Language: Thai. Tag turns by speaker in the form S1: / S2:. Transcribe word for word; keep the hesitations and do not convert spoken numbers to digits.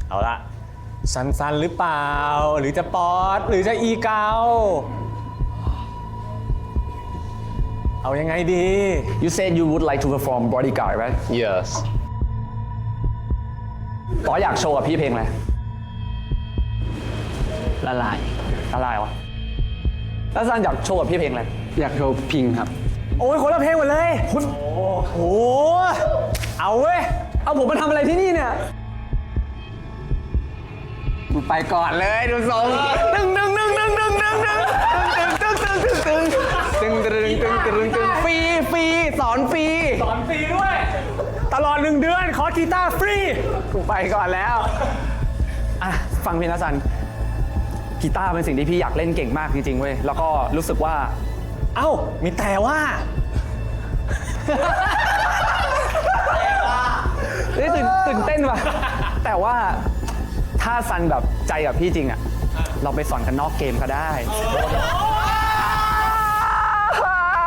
S1: เอาละซันซันหรือเปล่าหรือจะป๊อตหรือจะอีเกาเอายังไงดี
S2: You said you would like to perform bodyguard right
S3: Yes
S2: ต่ออยากโชว์กับพี่เพลงอะไร
S4: ละลาย
S2: ละลายวะแล้วซันอยากโชว์กับพี่เพลงอะไร
S4: อยากโชว์พิงครับ
S1: โอ้ยคนละเพลงหมดเลยคุณโอ้โหเอาเว้ย
S2: เอาผมมาทำอะไรที่นี่เนี่ย
S4: กูไปก่อนเลยดูทรง
S1: ตึงตึงตึงตึงตึงตึงตึงตึงตึงตึงตึง
S4: ตึงตึงตึงตึงตึงฟรีฟรีสอนฟรี
S1: สอนฟรีด้วย ตลอดหนึ่งเดือนขอกีตาร์ฟรี
S2: กูไปก่อนแล้ว อ่ะ ฟังพี่นะซัน กีตาร์เป็นสิ่งที่พี่อยากเล่นเก่งมากจริงๆเว้ย แล้วก็รู้สึกว่า
S1: เอ้ามีแต่ว่า
S2: นี่ตื่นตื่นเต้นว่ะ แต่ว่าถ้าซันแบบใจกับพี่จริงอะเราไปสอนกันนอกเกมก็ได้
S1: โอ้